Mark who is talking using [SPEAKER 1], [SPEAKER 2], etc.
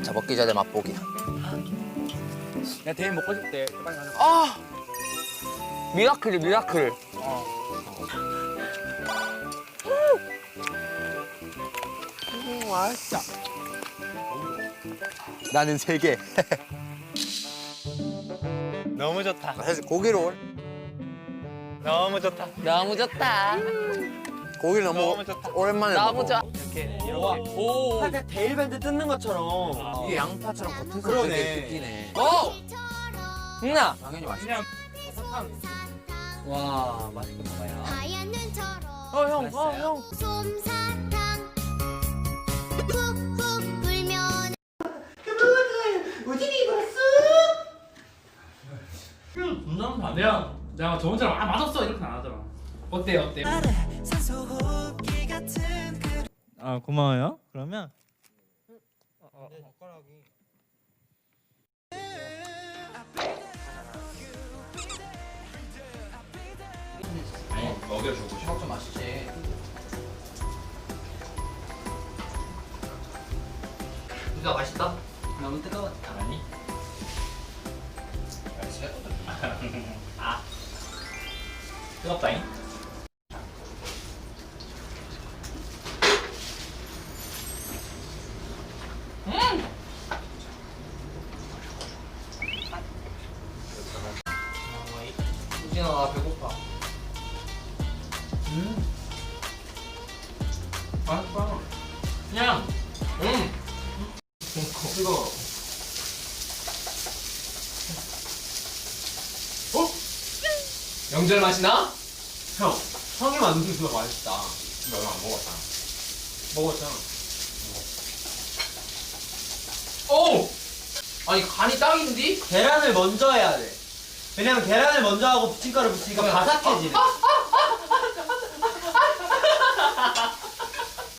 [SPEAKER 1] 자, 먹기 전에 맛보기.
[SPEAKER 2] 나 대인 먹고 싶대. 빨리 가자.
[SPEAKER 1] 아! 미라클이 미라클. 맛있다. 나는 3개.
[SPEAKER 2] 너무 좋다.
[SPEAKER 1] 사실 고기로
[SPEAKER 2] 너무 좋다.
[SPEAKER 1] 너무 좋다. 고기
[SPEAKER 2] 너무 좋다.
[SPEAKER 1] 오랜만에
[SPEAKER 3] 너무
[SPEAKER 1] 먹어.
[SPEAKER 3] 좋아.
[SPEAKER 2] 이렇게
[SPEAKER 3] 오.
[SPEAKER 4] 살짝 데일밴드 뜯는 것처럼.
[SPEAKER 1] 이게 양파처럼 겉에서
[SPEAKER 4] 그러네.
[SPEAKER 1] 되게 뜯기네.
[SPEAKER 3] 오. 응나.
[SPEAKER 1] 당연히 맛있어.
[SPEAKER 2] 그냥
[SPEAKER 3] 와 맛있게 먹어요.
[SPEAKER 5] 하얀 눈처럼
[SPEAKER 3] 형.
[SPEAKER 5] 솜사탕 훅훅 불면
[SPEAKER 2] 내가 저 혼자 맛없어 이렇게 안 하더라. 어때요?
[SPEAKER 6] 아 고마워요. 그러면
[SPEAKER 1] 먹여주고 시럽 좀 마시지. 진짜 맛있다?
[SPEAKER 3] 너무 뜨거웠다.
[SPEAKER 1] 아니. 맛있어.
[SPEAKER 3] 아. 뜨겁다잉.
[SPEAKER 1] 우진아, 나 배고파. 맛있다.
[SPEAKER 3] 그냥.
[SPEAKER 1] 뜨거워.
[SPEAKER 3] 명절 맛이 나?
[SPEAKER 4] 형, 형이 만든 수가 맛있다.
[SPEAKER 1] 너는 안 먹었다.
[SPEAKER 4] 먹었잖아.
[SPEAKER 3] 오. 아니 간이 딱인데?
[SPEAKER 4] 계란을 먼저 해야 돼. 왜냐면 계란을 먼저 하고 부침가루 붙이니까 바삭해지네.